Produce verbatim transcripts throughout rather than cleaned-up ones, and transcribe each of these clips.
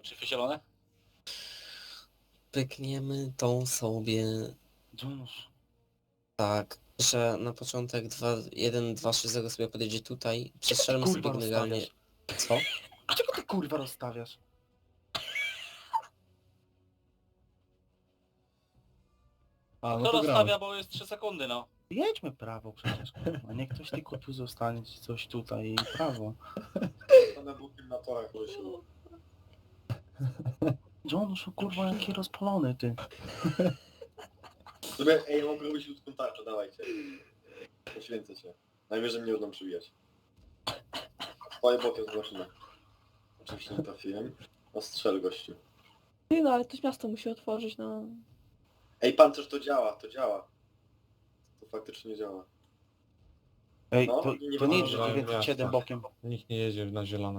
Czyfy zielone? Pykniemy tą sobie Jonusz. tak, że na początek dwa, jeden, dwa, trzy, zero sobie podejdzie tutaj. Przestrzelmy kurwa sobie generalnie... rozstawiasz? Co? Czego ty kurwa rozstawiasz? A, no To to gramy. rozstawia, bo jest trzy sekundy, no. Jedźmy prawo przecież, kurwa. Niech ktoś tylko tu zostanie, czy coś tutaj i prawo. Stanę bokiem na torach, Rysiu. Jonusz, o kurwa, jaki rozpalony ty. Sobie, ej, mogę robić ludzką tarczę, dawajcie. Poświęcę się. Najwyżej mnie będą przybijać. Stoję bokiem z maszyny. Oczywiście nie trafiłem. No strzel, gościu. Ty, no ale to miasto musi otworzyć, no. Ej, pancerz, to działa, to działa. To faktycznie działa. Ej, No, to, i nie to nie wolno jest żadnego dziewięćset siedem miasta. bokiem. Nikt nie jedzie na zielone.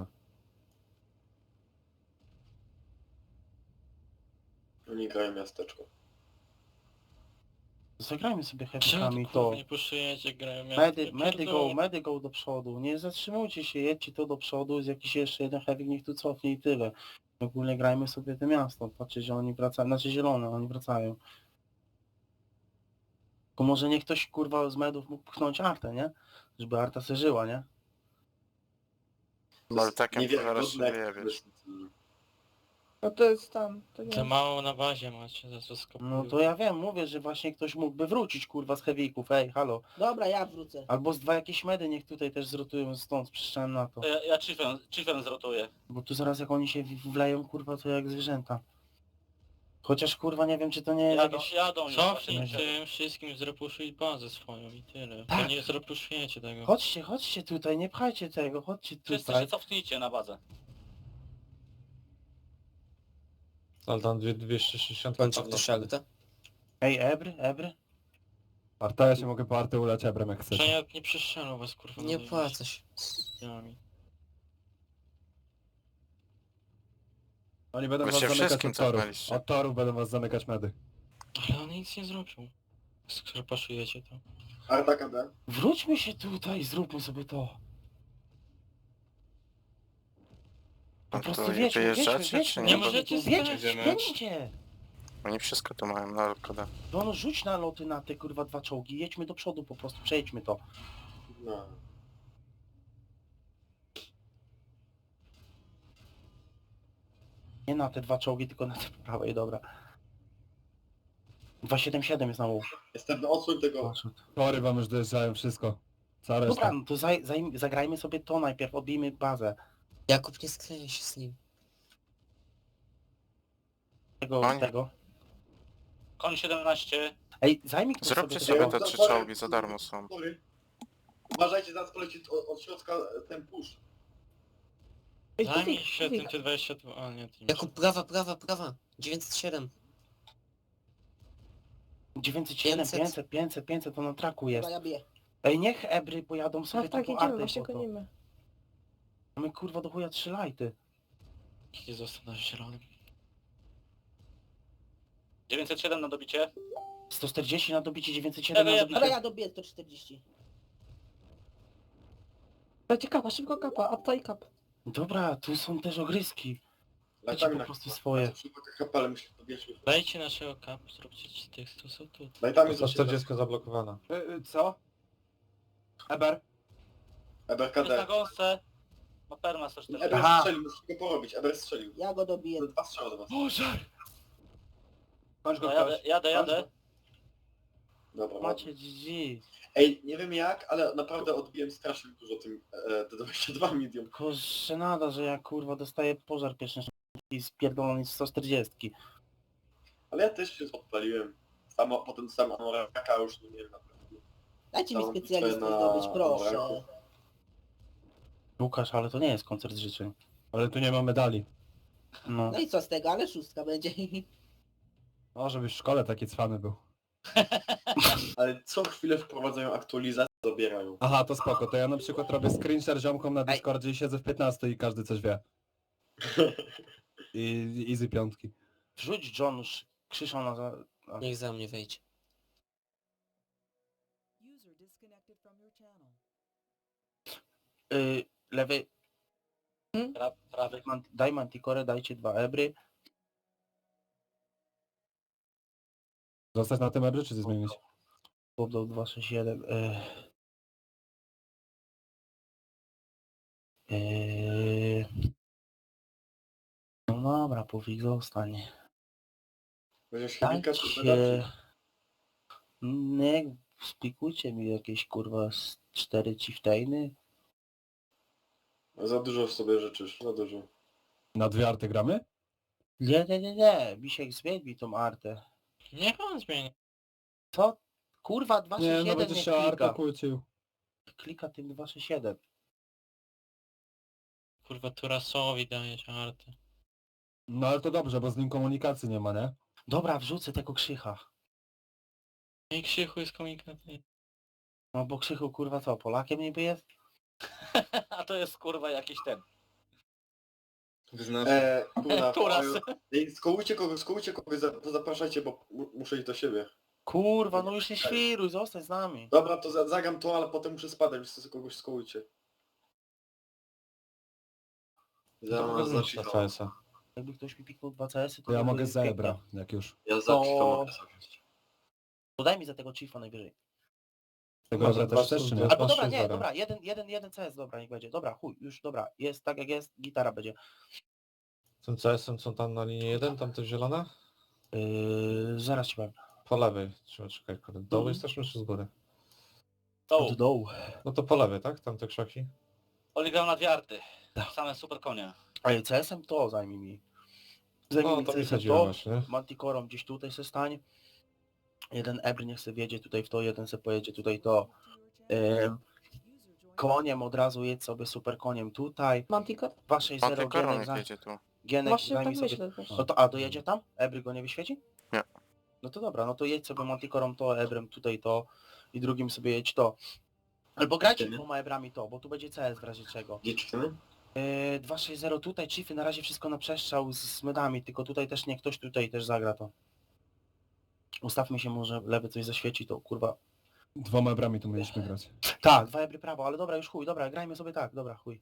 Oni grają miasteczko. Zagrajmy sobie Czemu heavykami tu to. kurwa nie puszujecie, grają miasto? Medy, medy go, medy go do przodu. Nie zatrzymujcie się, jedźcie to do przodu, jest jakiś jeszcze jeden heavy, niech tu cofnie i tyle. Ogólnie grajmy sobie to miasto. Patrzcie, że oni wracają, znaczy zielone, oni wracają. Tylko może niech ktoś kurwa z medów mógł pchnąć Artę, nie? Żeby Arta se żyła, nie? To No ale jest takiem to zaraz niewiarygodne, się jak wyjebiesz. No to jest tam. To Za nie. mało na bazie macie, za co skopują. No to ja wiem, mówię, że właśnie ktoś mógłby wrócić kurwa z heavyków, ej, halo. Dobra, ja wrócę. Albo z dwa jakieś medy niech tutaj też zrotują stąd, przyszedłem na to. To ja, ja chiefem, chiefem zrotuję. Bo tu zaraz jak oni się w- wleją, kurwa, to jak zwierzęta. Chociaż kurwa nie wiem, czy to nie jest Jadą, jakieś... jadą już. Cofnij właśnie. tym wszystkim, zrepuszuj bazę swoją i tyle. Tak. To nie zrepuszujecie tego. Chodźcie, chodźcie tutaj, nie pchajcie tego, chodźcie Wszyscy się tutaj. cofnijcie na bazę. Ale tam dwie- dwieście sześćdziesiąt. Kończy ktoś Artę? Ej, Ebry, Ebry. Arta, ja się mogę po Artę ulać ebrem jak chcesz. Przeniat nie przystrzelą was kurwa. Nie na płacę się. ziemi. Oni będą Wy was się zamykać wszystkim od torów. cofnęliście. Od torów będą was zamykać medy. Ale on nic nie zrobił. Skrapaszujecie to. Arta K D. Wróćmy się tutaj, zróbmy sobie to. Po No prostu to wiedźmy, wyjeżdżacie, wiedźmy, czy wiedźmy. nie? Nie możecie Wiedźmy, stać. wiedźcie. Oni wszystko tu mają, no szkoda. No, no rzuć na loty na te kurwa dwa czołgi, jedźmy do przodu po prostu, przejdźmy to. No. Nie na te dwa czołgi, tylko na te po prawej, dobra. dwieście siedemdziesiąt siedem jest na łuk. Jestem, no odsłoń tego. Poszedł. Tory wam już dojeżdżają, wszystko. Cała Dobra, reszta. no to zaj, zaj, zagrajmy sobie to najpierw, odbijmy bazę. Jakub, nie skleję się z nim. Tego, Koń. tego. Koń siedemnaście. Ej, zajmij ktoś Zróbcie sobie sobie tego. te trzy czołgi, za darmo są. Sorry. Uważajcie, zaraz poleci od, od środka ten push. Ej, Zajmij Kufik, się Kufik. tym T dwadzieścia dwa, a nie tym. Jakub, prawa, prawa, prawa. dziewięćset siedem. dziewięćset siedem, pięćset. pięćset, pięćset, pięćset, to na traku jest. Dobra, ja biję. Ej, niech Ebry pojadą sobie Tak, to tak, po idziemy, Artę właśnie po to. gonimy. Mamy kurwa do chuja trzy lajty. Nie został na zielonym. dziewięćset siedem na dobicie. sto czterdzieści na dobicie, dziewięćset siedem na Dobra, dobicie. Dobra, ja dobiję sto czterdzieści. Dajcie kapa, szybko kapa, apta i kap. Dobra, tu są też ogryski. Dajcie Dajcie po na prostu swoje. H P, ale myślę, że Dajcie naszego kap, zróbcie ci tych, co są tu. Daj tam sto czterdzieści zablokowana. Co? Eber? Eber Jest na K D. gąsce. Ma perma sto czterdzieści. Eber Aha. strzelił, musisz go porobić. Eber strzelił. Ja go dobiję. Dwa strzały do was. Boże! Kończ No, jadę, jadę, jadę. Dobra, Macie ładnie. G G. Ej, nie wiem jak, ale naprawdę odbiłem strasznie dużo tym e, T dwadzieścia dwa medium. Tylko żenada, że ja kurwa dostaję pożar pierwszy i spierdolony z sto czterdzieści. Ale ja też się odpaliłem. Samo, potem sam Amoraka już nie wiem naprawdę. Dajcie mi Całą specjalistę bitwę na zdobyć, proszę. Amoraku. Łukasz, ale to nie jest koncert życzeń. Ale tu nie ma medali. No. No i co z tego, ale szóstka będzie. O, żebyś w szkole taki cwany był. Ale co chwilę wprowadzają aktualizację, zabierają. Aha, to spoko, to ja na przykład robię screenshare ziomkom na Ej. Discordzie i siedzę w piętnaście i każdy coś wie. I easy piątki. Wrzuć John już krzyczą na... za- a- Niech za mnie wejdzie. Y, lewy... Pra, prawy. Man- Daj Manticore, dajcie dwa ebry. Zostać na tym ebry, czy coś zmienić? Poddał dwa sześć jeden. Yy. Yy. No dobra, Pufik zostanie. Weźmiesz chemika, czy Dajcie... pedał, Nie, spikujcie mi jakieś kurwa z cztery chieftainy. czy... Za dużo w sobie życzysz, za dużo. Na dwie arty gramy? Nie, nie, nie, nie. Misiek zmień mi tą artę. Niech on zmieni. Co? Kurwa dwa Nie, sześć no jeden będziesz nie się artę klika. kłócił. Klika tym dwa sześć jeden. Kurwa, Turasowi dajesz arty. No ale to dobrze, bo z nim komunikacji nie ma, nie? Dobra, wrzucę tego Krzycha. I Krzychu jest komunikacyjny. No bo Krzychu kurwa co, Polakiem niby jest? A to jest kurwa jakiś ten. Wyznasz. Eee, kurwa, Turas. Ej, skołujcie kogoś, skołujcie kogoś, za- to zapraszajcie, bo mu- muszę iść do siebie. Kurwa, no już nie świruj, zostań z nami. Dobra, to za- zagram to, ale potem muszę spadać, więc to kogoś skołujcie. To Za, wezmę C S a. Jakby ktoś mi piknął dwa C S y, to To ja by mogę były z ebra, piękne. jak już. Ja za Chifa No. mogę Podaj mi za tego Chiefa najwyżej. Tego Może ebra też dwa chcesz, czy nie? stóp- Albo Masz dobra, sześć nie, zero. dobra, jeden, jeden, jeden C S, dobra, niech będzie. Dobra, chuj, już dobra, jest tak jak jest, gitara będzie. Tym C S em co tam na linii jeden, tam to zielone? Yy, zaraz ci powiem. Po lewej. Trzeba czekać, kurde. Dołu Mhm. jesteśmy czy z góry? O, Od dołu. No to po lewej, tak? Tam te krzaki? Oli grał na dwie arty. Tak. Same super konie. Ej, C S em to zajmij mi. Zajmij No mi to mi C S em chodziło to, właśnie. Manticorą gdzieś tutaj se stań. Jeden Ebr niech se wjedzie tutaj w to, jeden se pojedzie tutaj to. Yy, koniem od razu jedź sobie super koniem tutaj. Manticore? dwa sześć zero Antykoron Gienek, niech za, jedzie tu. Gienek Właśnie zajmij tak sobie. myślę też. No to, a dojedzie tam? Ebry go nie wyświeci? Nie. No to dobra, no to jedź sobie Manticorą to, Ebrem tutaj to i drugim sobie jedź to. Albo grajcie Nie. dwoma Ebrami to, bo tu będzie C S w razie czego. Gdzie czytamy? Yy, dwa sześć zero tutaj, Chiefy na razie wszystko na przestrzał z, z medami, tylko tutaj też nie ktoś tutaj też zagra to. Ustawmy się, może lewy coś zaświeci, to kurwa. Dwoma ebrami tu mieliśmy grać. Tak, dwa Ebry prawo, ale dobra, już chuj, dobra, grajmy sobie tak, dobra, chuj.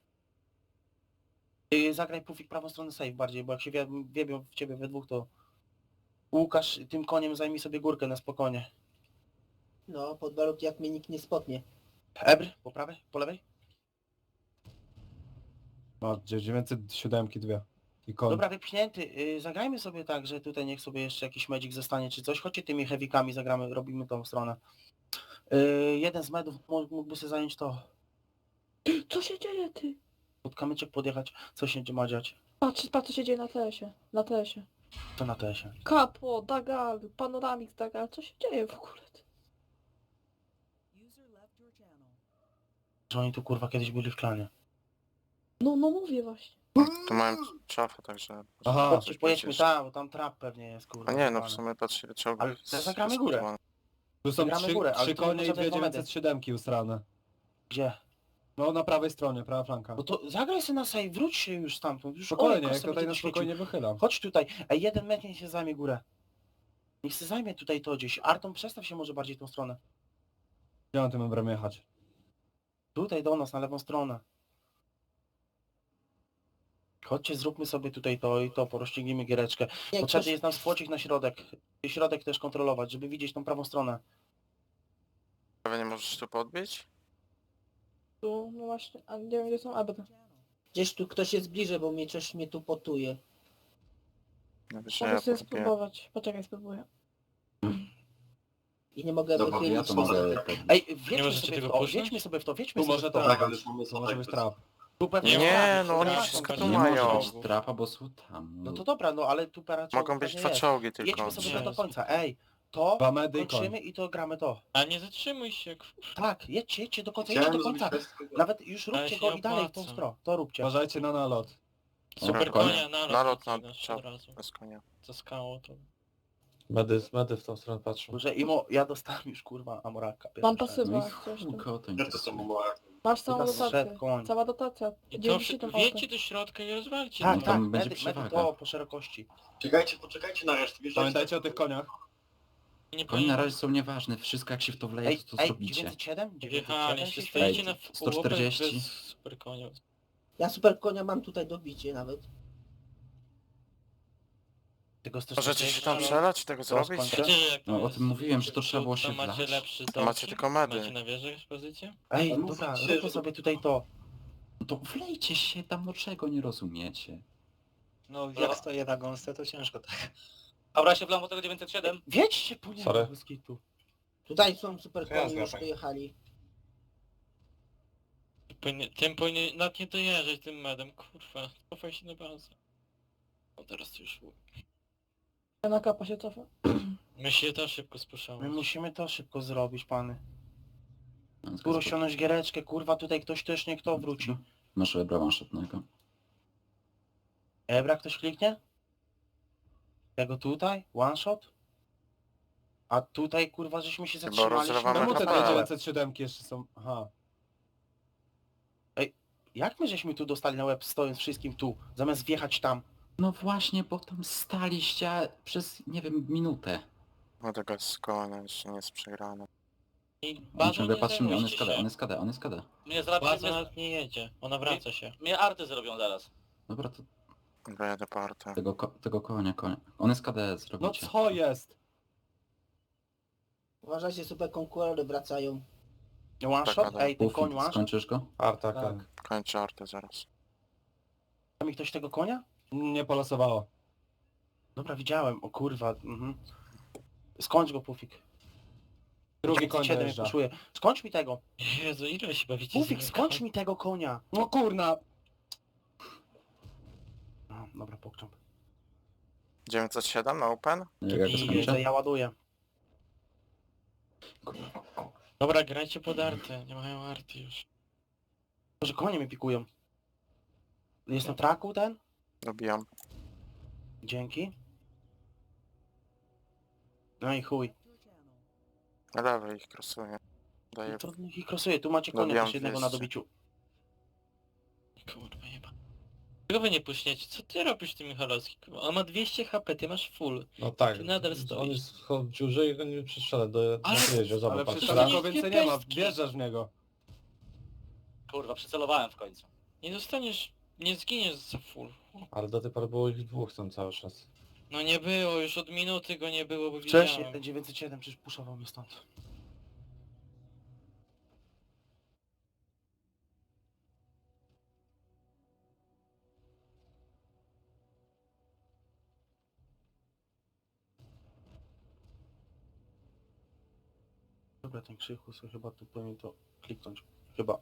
Yy, zagraj Pufik prawą stronę save bardziej, bo jak się wie, wiebią w ciebie we dwóch, to Łukasz tym koniem zajmij sobie górkę na spokojnie. No, pod warunkiem jak mnie nikt nie spotnie. Ebr, po prawej, po lewej? No, dziewięćset siedem dwie. I koń. Dobra, wypchnięty. Yy, zagrajmy sobie tak, że tutaj niech sobie jeszcze jakiś magic zostanie czy coś. Chodźcie tymi heavykami, zagramy, robimy tą stronę. Yy, jeden z medów mó- mógłby sobie zająć to. Co się dzieje, ty? Pod kamyczek podjechać, co się ma dziać. Patrz, patrz co się dzieje na T S-ie. Na T S-ie. To na tesie. Kapo, Dagal, Panoramix, Dagal. Co się dzieje w ogóle? ty? Że oni tu kurwa kiedyś byli w klanie. No, no mówię właśnie. Tu mają czafę, także... Aha. Chodźcie, pojedźmy przecież. tam, bo tam trap pewnie jest kurwa. A nie, no schowane. w sumie patrz ile czołgów. Ale jest zagramy górę. rozbudowane. Tu są Gramy trzy, górę, ale trzy tu konie i potrzebne dwie dwa medy. dziewięćset siedem usrane. Gdzie? No na prawej stronie, prawa flanka. No to zagraj sobie na save, wróć się już stamtąd. Już Spokojnie, Olek jak sobie tutaj będzie na świecił. spokojnie wychylam. Chodź tutaj. Ej, jeden metr niech się zajmie górę. Niech się zajmie tutaj to gdzieś. Arton, przestaw się może bardziej tą stronę. Gdzie mam tym ebrem jechać? Tutaj do nas, na lewą stronę. Chodźcie, zróbmy sobie tutaj to i to, porozciągnijmy giereczkę. Jak Potrzebny ktoś, jest nam spłocik na środek. I środek też kontrolować, żeby widzieć tą prawą stronę. Prawie nie możesz tu podbić? Tu, no właśnie, a nie wiem gdzie są Ebry. gdzieś tu ktoś jest bliżej, bo mnie coś mnie tu potuje. No wiesz, że Mogę ja sobie podbiję. spróbować. Poczekaj, spróbuję. I nie mogę Dobra, wychylić. ja to mogę... Ej, Nie wiedźmy możecie sobie w tego to, puszczać? wiedźmy sobie w to, wiedźmy Tu sobie może w to. tak, Tak, ale już mamy to może być trap. Tu pewnie Nie, jest no oni trap, wszystko tu tu pewnie mają. jest. Trapa, bo są tam. No to dobra, no ale tu para Mogą być dwa czołgi tylko. Jedźmy sobie Nie. to do końca, ej. To Dwa medy i kończymy koń. i to gramy to. A nie zatrzymuj się, kurwa. Tak, jedźcie, jedźcie do końca, jedźcie Chciałem do zrobić końca. test, tylko- Nawet już Ale róbcie się go i dalej w tą opłaca. stronę. To róbcie. Uważajcie na nalot. Super konia. konia, nalot, Nalot na nasz czap. od razu. Bez konia. Za skałą to... Medy, medy w tą stronę patrzą. Że Imo, ja dostałem już kurwa amoraka. Mam pierwsze. pasywa, No i jak coś tu. chuj, kotoń. Ja to samo ma... Masz całą Teraz dotację. szedł koń. Cała dotacja. I to dziewięćdziesiąt wszy- auto. wjedźcie do środka i rozwalcie. Tak, No to. tak, tam będzie medy, medy przewaga. to po szerokości. Czekajcie, poczekajcie na resztę. wjeżdżajcie Pamiętajcie na- o tych koniach. I nie Konie na powinno- razie są nieważne, wszystko jak się w to wleje, Ej, to co ej, zrobicie. dziewięćset siedem? dziewięćset siedem Wjechaliście, się stoicie świeci. na sto czterdzieści. bez super konia. Ja super konia mam tutaj dobicie nawet. Tego też Możecie tutaj się tam trzeba- przelać, tego To zrobić? skończę. Wiecie, jak No, o jest tym mówiłem, że to przód, trzeba było to się macie wlać. lepszy To macie całki? tylko medy. Macie na wieży pozycję? Ej, Ale dobra, mówicie, róbmy że- sobie tutaj to. No to wlejcie się tam, no czego nie rozumiecie? No, jak stoję na gąsce, to ciężko tak. Dobra, się wlam do tego dziewięćset siedem. Wiedźcie po niego Sorry. bez kitu. Tutaj są super To ja konie, już zgadzam. dojechali. Powinien, tym powinien, nawet nie dojeżdżać tym medem, kurwa. Cofaj się na bazę. O, teraz to już... Ja na kapa się cofa. My się też szybko My spuszczamy. musimy to szybko zrobić, pany. No, Skoro ściągnąć giereczkę, kurwa, tutaj ktoś też nie kto wróci. Masz ebra one-shotnego. Ebra ktoś kliknie? Tego tutaj? One shot? A tutaj, kurwa, żeśmy się Chyba zatrzymaliśmy. rozlewamy No Czemu bo te H P? tak, dziewięćset siedem jeszcze są... Aha. jak my żeśmy tu dostali na łeb stojąc wszystkim tu, zamiast wjechać tam? No właśnie, bo tam staliście przez, nie wiem, minutę. No tego z koła jeszcze nie jest przegrane. I On bazą ciągle nie patrzy mnie, on jest zajmujcie KD, on się. jest KD, on jest KD. Mnie zrobią, Baza mnie, nawet nie jedzie, ona wraca się. mnie arty zrobią zaraz. Dobra, to Dobra, jadę po artę. tego, ko tego konia, konia. On jest KD, No zrobicie. co jest? Uważajcie, super konkurenty wracają. One Tak, shot? Adam. Ej, ten Ufik, koń one shot? skończysz go? Arta, Tak. koń. Kończę artę zaraz. Da mi ktoś tego konia? Nie polosowało. Dobra, widziałem, o kurwa. Mhm. Skończ go, Pufik. Drugi koń siedem dojeżdża. puszuje. Skończ mi tego. Jezu, ile się bawicie z Pufik, nimi? skończ mi tego konia. No kurna! No, dobra, pokczam. dziewięćset siedem na open? Jak ja go I Widzę, skończę? ja ładuję. Dobra, grajcie pod artę, nie mają arty już. Może konie mi pikują. Jest na traku ten? Dobijam. Dzięki. No i chuj. Na lewej ich krosuję. Daję... No to niech ich krosuje. Tu macie konia Dobijam też jednego na dwieście. dobiciu. Kurwa jeba. Czego wy nie puśniecie? Co ty robisz tym Michalowski? Kurwa, on ma dwieście H P, ty masz full. No tak. Ty nadal On stoisz. jest w dziurze i go nie przestrzela do... Ale- na dojeździe. Ale Zobacz, przecież patrz. to tego nie- więcej nie ma, pestki. wjeżdżasz w niego. Kurwa, przycelowałem w końcu. Nie dostaniesz, nie zginiesz za full. Ale do tej pory było ich dwóch tam cały czas. No nie było, już od minuty go nie było, bo Wcześniej widziałem. ten dziewięćset siedem przecież puszował mnie stąd. Dobra, ten krzyku sobie chyba tu powinien to kliknąć. Chyba.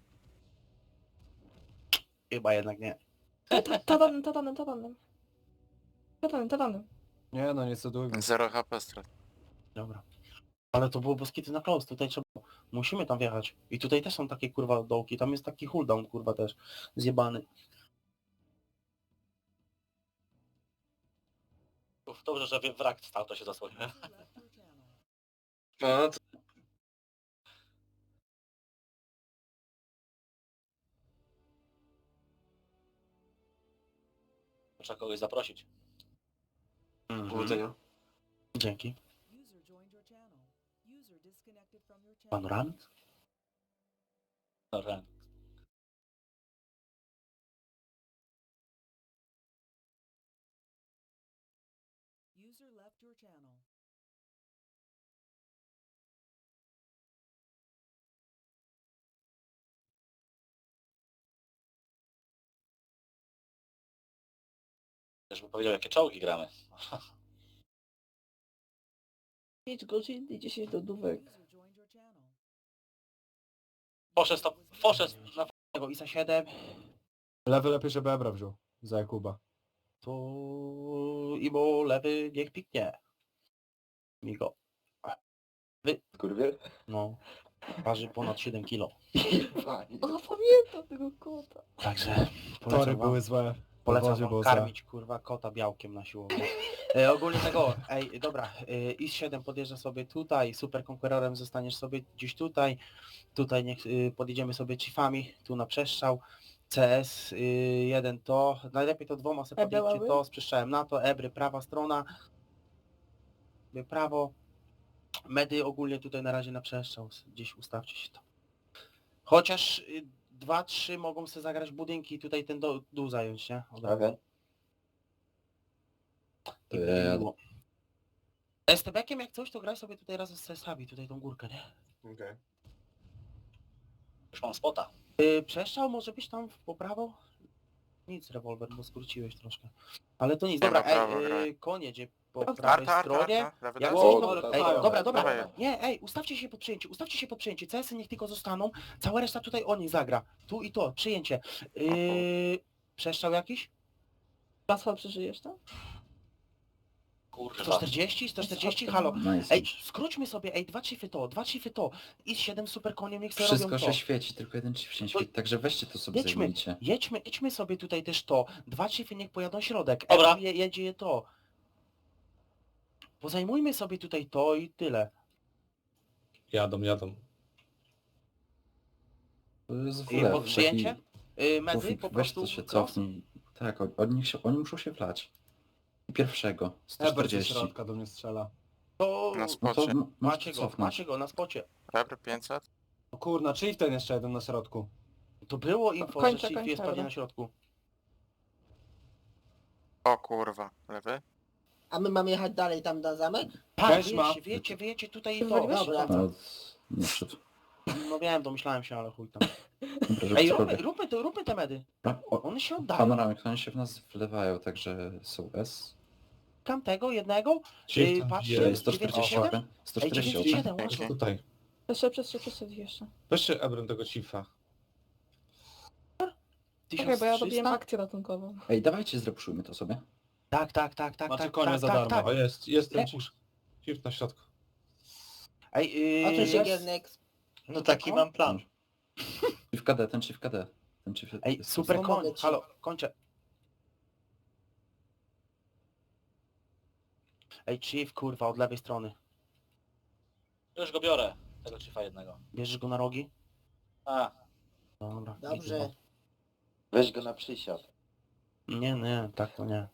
Chyba jednak nie. Tatanem, tatanem, tatanem. Tatanem, tatanem. Nie no, nie cudujmy. zero H P strat. Dobra. Ale to było boskity na close, tutaj trzeba... Musimy tam wjechać. I tutaj też są takie kurwa dołki, tam jest taki cooldown kurwa też. Zjebany. Uf, dobrze, że wrak stał, to się zasłoniłem. No, to... Trzeba kogoś zaprosić. Mhm. Powodzenia. Dzięki. Panoramik? Dobra. Też bym powiedział, jakie czołgi gramy. pięć godzin i dziesięć dodówek. Poszedł to, poszedł na... Tego ISA siedem. Lewy lepiej, żeby Ebra wziął. Za Jakuba. To... I bo lewy niech piknie. Migo. Kurwie? No. Waży ponad siedem kilo. O, pamiętam tego kota. Także Tory polecam wam, były złe. polecam Podwozie wam było karmić kurwa kota białkiem na siłowni. E, ogólnie tego, ej dobra, e, I S siedem podjeżdża sobie tutaj, super konkurorem zostaniesz sobie gdzieś tutaj, tutaj niech y, podjedziemy sobie chiefami, tu na przestrzał. C S y, jeden to, najlepiej to dwoma sobie Ebra podjedźcie ławy? to, z przestrzałem na to, Ebry prawa strona, Ebry prawo, medy ogólnie tutaj na razie na przestrzał, gdzieś ustawcie się to. Chociaż y, dwa trzy mogą sobie zagrać budynki i tutaj ten do- dół zająć, nie? Od razu. Okej. I To ja będzie jadę. miło. S T B-kiem jak coś, to graj sobie tutaj razem z C S-ami, tutaj tą górkę, nie? Okej. Już mam spota. Yy, przeszczał może być tam w- po prawo? Nic, rewolwer, bo skróciłeś troszkę. Ale to nic, Nie dobra, ma prawo ej, grać. yy, konie gdzie po Arta, prawej Arta, arta, stronie. arta, lewy Jak daj. coś, O, to... dobra, Ej, dawaj, dobra, dobra. dawaj. Nie, ej, ustawcie się pod przyjęcie, ustawcie się pod przyjęcie. C S-y niech tylko zostaną, cała reszta tutaj o nich zagra. Tu i to, przyjęcie. Yy, przeszczał jakiś? Laswal przeżyjesz, tak? Kurwa. sto czterdzieści? sto czterdzieści? Halo. Nice. Ej, skróćmy sobie, ej, dwa chiefy to, dwa chiefy to. I siedem super koniem niech sobie Wszystko robią się to. świeci, tylko jeden chief się nie To- świeci, także weźcie to sobie Jedźmy, zajmijcie. jedźmy, jedźmy sobie tutaj też to. Dwa chiefy niech pojadą środek. Dobra. Ewa je, jedzie je to. Pozajmujmy sobie tutaj to i tyle. Jadą, jadą. To jest w I lew, pod przyjęcie? Yy, medy Pufik, po weź prostu. to się cross. cofnij. Tak, od, od nich się, oni muszą się wlać. I pierwszego, sto Eber ze czterdzieści. środka do mnie strzela. To Na No to spocie. m- macie możecie go, cofnąć. macie go na spocie. Rebry pięćset. No kurna, czyli ten jeszcze jeden na środku. To było info, Kończę, że chief kończę, jest pewnie dobra. na środku. O kurwa, lewy. A my mamy jechać dalej tam na zamek? Tak, Weź ma. wiecie, wiecie, wiecie tutaj i to. Wywaliłeś? Dobra. No, nie wszedł. No wiem, domyślałem się, ale chuj tam. Dobra, żeby Ej, róbmy, cokolwiek. róbmy, to, róbmy te medy. A, o, One się oddają. Panoramek, oni się w nas wlewają, także są S. Kam tego jednego. Chief Yy, tam patrzcie, bije. Ej, sto czterdzieści dziewięćdziesiąt siedem? open. sto Ej, czterdzieści dziewięćdziesiąt open. siedem, łatwo. Tutaj. Jeszcze, jeszcze, jeszcze jeszcze. Weźcie Ebrem tego Chiefa. Czekaj, bo ja robiłem tysiąc trzysta? akcję ratunkową. Ej, dawajcie, zrepuszujmy to sobie. Tak, tak, tak, tak, Macie tak, konia tak, za tak, darmo. tak. O, jest, jest ten Nie. Chief. Chief na środku. Ej, yy, A tu się jest- Giernek. No taki mam plan. Chief K D, ten Chief K D. Ten Chief... Ej, super Pomogę koń, ci. halo, kończę. Ej, chief, kurwa, od lewej strony. Już go biorę. Tego Chiefa jednego. Bierzesz go na rogi? A, Dobra. Dobrze. Weź go na przysiad. Nie, nie, tak to nie.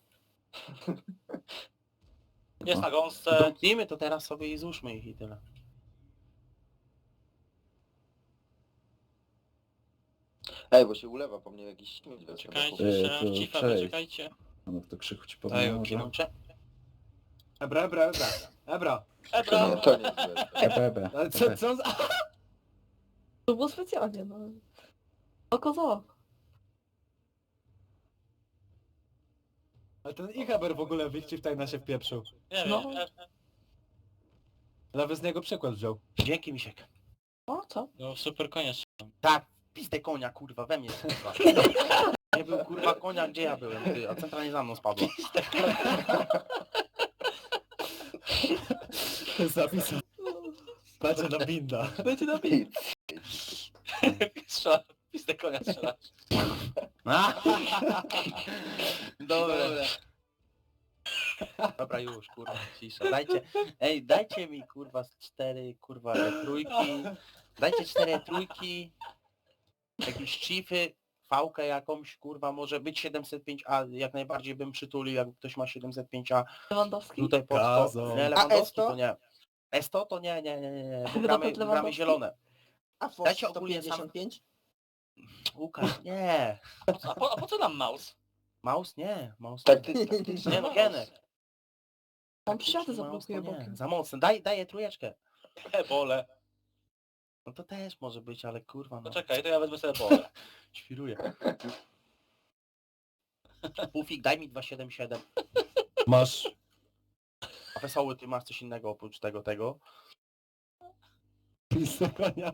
jest na gąsce. Domknijmy to teraz sobie i złóżmy ich i tyle. Ej, bo się ulewa po mnie jakiś śmieć. Czekajcie, Ej, strzelam to w Chiefa, cześć. poczekajcie. No to krzyku ci Daj, powiem, że... kiemącze. Ebra, ebra, ebra. Ebra. Ebra! To nie złe. Ebe, ebe, Ale co, ebe. co za... To było specjalnie, no. Oko za oko. Ale ten ich Eber w ogóle w tajna się wpieprzył. Nie No. wiem, e, Nawet z niego przykład wziął. Dzięki, Misiek. O, co? No super konia strzelam. Tak, pizdę konia, kurwa, we mnie kurwa. Nie był kurwa konia, gdzie ja byłem, ty, a centralnie za mną spadła. Zapisał. Patrzę na binda. Będzie na pi- strzela, pistę konia strzela. Dobra. Dobra już, kurwa, cisza. Dajcie, ej, dajcie mi kurwa z cztery, kurwa, e, trójki. Dajcie cztery trójki. Jakieś chiefy, fałkę jakąś, kurwa, może być siedemset pięć A, jak najbardziej bym przytulił, jak ktoś ma siedemset pięć A. Lewandowski? Tutaj pod sto. Gazon. Nie, A Lewandowski Esto? to nie. Esto to nie, nie, nie, nie, nie, bo Chyba gramy, pod gramy Lewandowski? zielone. A Fox Dajcie sto ogólnie pięćdziesiąt pięć? Łukasz, nie. A po, a po co nam mouse? Mouse? Nie, mouse Tak, nie. ty, Nie no, Genek. Tam przysiady Mouse to zablokuje nie, bokiem. za mocno. Daj, daję trójeczkę. Ebole. No to też może być, ale kurwa No no. czekaj, to ja wezmę sobie ebole. Świruję. Pufik, daj mi dwieście siedemdziesiąt siedem. Masz. A wesoły, ty masz coś innego oprócz tego, tego. Pistę konia.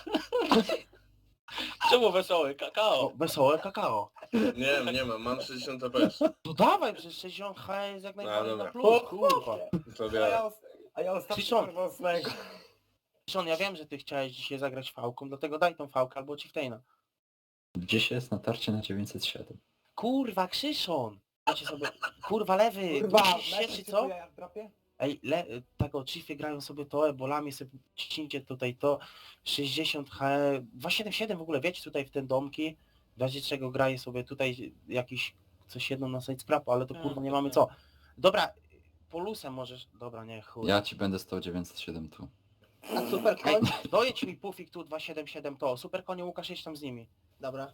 Czemu wesoły? O, Kakao. wesołe kakao. Nie, nie mam, mam sześćdziesiąt F P S. To dawaj, przecież sześćdziesiąt H jest jak najbardziej dobra. na plus, kurwa. To A ja ostatnio Ciszon. kurwa ósmego. Sean, ja wiem, że ty chciałeś dzisiaj zagrać fałką, dlatego daj tą fałkę albo Chieftaina. Gdzieś jest natarcie na dziewięćset siedem. Kurwa, Krzyszon! Dajcie sobie... Kurwa, lewy! Kurwa, Musisz się, czy co? ja w dropie? Ej, le, tego Chiefy grają sobie to, ebolami sobie ciśnijcie tutaj to, sześćdziesiąt H, dwieście siedemdziesiąt siedem w ogóle, wiecie, tutaj w te domki, w razie czego graje sobie tutaj jakiś, coś jedno na side scrapu, ale to kurwa nie mamy co. Dobra, polusem możesz, dobra, nie, chuj. Ja ci będę stał dziewięćset siedem tu. A super Ej, koń? dojedź mi Pufik tu dwieście siedemdziesiąt siedem to, super konie Łukasz, jedź tam z nimi. Dobra.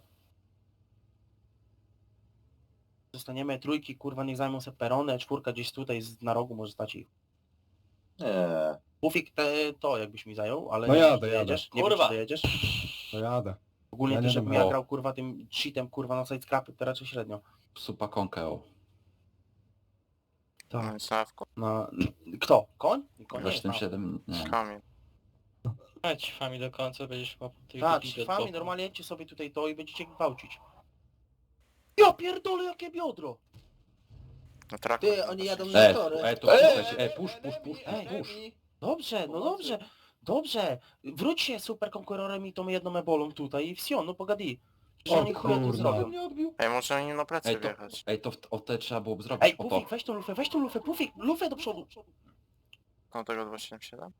Zostaniemy trójki, kurwa, niech zajmą se perony, czwórka gdzieś tutaj z- na rogu może stać ich. Nie. Pufik te, to jakbyś mi zajął, ale No nie jadę, wiem, czy jadę. dojedziesz. Nie Kurwa. wiem, czy dojedziesz. To jadę. Ogólnie Ja to, nie żebym wiem, ja o. grał, kurwa, tym cheatem, kurwa, na side scrapy, to raczej średnio. Supa konkeo. No i Sawko. Na... Kto? Koń? Koń nie jest siedem na- siedem, nie. Kamień. Chodź fami do końca, będziesz łapał tych Tak, debilów od fami, boku. normalnie jedźcie sobie tutaj to i będziecie gwałcić. Ja pierdolę, jakie biodro! Na traku. Ty, oni jadą na E, tory. e, to puszczać, e, push, push, push, Ej, push, push. Dobrze, no dobrze, dobrze. Wróć się super konkurorem i tą jedną ebolą tutaj i wsio, no pogadi. Że O oni chuja tu kurwa. zrobią. Ej, może oni na plecy Ej, to, wjechać. ej, to w, o te trzeba było zrobić, Ej, o to. Pufik, weź tą lufę, weź tą lufę, Pufik, lufę do przodu. No tego dwa siedem siedem?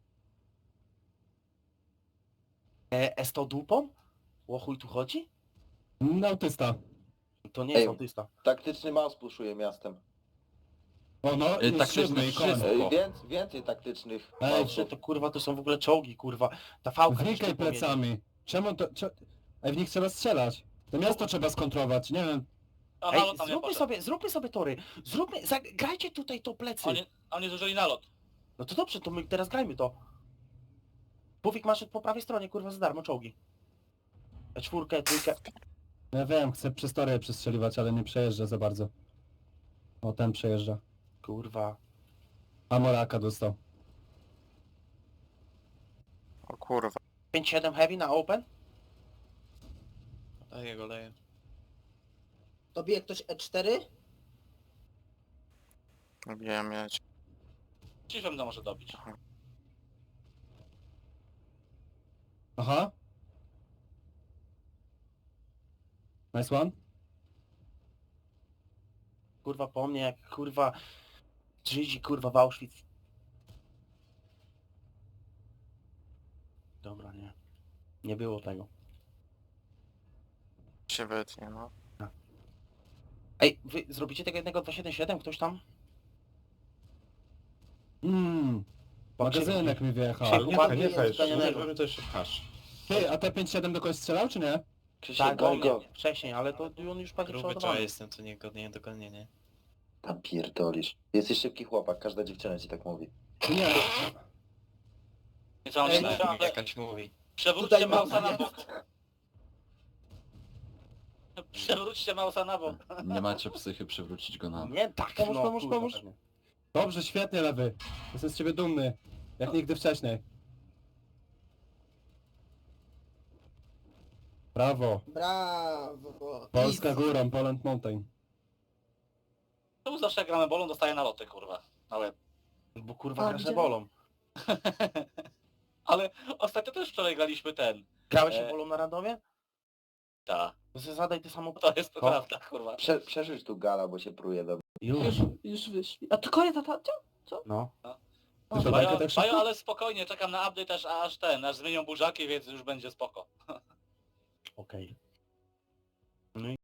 E, e z tą dupą? O chuj tu chodzi? No autysta. To nie jest Ej. autysta. Taktyczny mouse puszuje miastem. O no, Ej, i tak siódmy i wszystko. koń. Ej, Więcej, więcej taktycznych Ej, Dobrze, to kurwa to są w ogóle czołgi, kurwa. Ta fałka gdzieś Wnikaj tu pojedzie. plecami. Czemu to... Cze... Ej, w nich trzeba strzelać. To miasto trzeba skontrować, nie wiem. A Ej, nalot tam nie zróbmy poszedł. sobie, zróbmy sobie tory. Zróbmy, zagrajcie tutaj to plecy. Oni, oni zużyli nalot. No to dobrze, to my teraz grajmy to. Pufik masz po prawej stronie, kurwa, za darmo czołgi. E czwórkę, trójkę. Ja wiem, chcę przez tory przestrzeliwać, ale nie przejeżdża za bardzo. O, ten przejeżdża. Kurwa. A Moraka dostał. O kurwa. pięć siedem heavy na open? Daję go, daję. Dobije ktoś E cztery? Bijam mieć. Chiefem to może dobić. Aha. Nice one. Kurwa po mnie, jak kurwa... Żydzi, kurwa, w Auschwitz. Dobra, nie. Nie było tego. Się wytnie, no. Ej, wy zrobicie tego jednego dwa siedem siedem? Ktoś tam? Mmm. Magazynek mi wyjechał. Krzychu, Nie, pan nie jest fajesz, zganianego. nie to jeszcze pchasz. Ty, a T pięćdziesiąt siedem do kogoś strzelał, czy nie? Tak, go, go. Wcześniej, ale to on już pewnie Gruby to przeładowany. jestem, to nie, nie dogonienie. Tam pierdolisz. Jesteś szybki chłopak, każda dziewczyna ci tak mówi. Nie. Nie całą Ej, minutę, ale Jakaś mówi. przewróćcie Tutaj mam- mausa na bok. Przewróćcie mausa na bok. Nie macie psychy przywrócić go na... Nie, tak, Pomóż, no, pomóż, kurwa, pomóż. pewnie. Dobrze, świetnie, lewy. Jestem z ciebie dumny. Jak nigdy wcześniej. Brawo. Brawo. Polska Easy. górą, Poland Mountain. Czemu zawsze jak gramy bolą, dostaje naloty, kurwa. Na łeb. Bo kurwa A, grasze gdzie? bolą. Ale ostatnio też wczoraj graliśmy ten. Grałeś się E. bolą na randomie? Ta. To sobie zadaj te samo... To jest Ko- prawda, kurwa. Prze, przerzuć tu gala, bo się pruje do... Już. Już, już wyszli. A to koniec atacia? No. Ty to Bajo, tak szybko? bajo, ale spokojnie, czekam na update aż, aż ten, aż zmienią burzaki, więc już będzie spoko. Okej.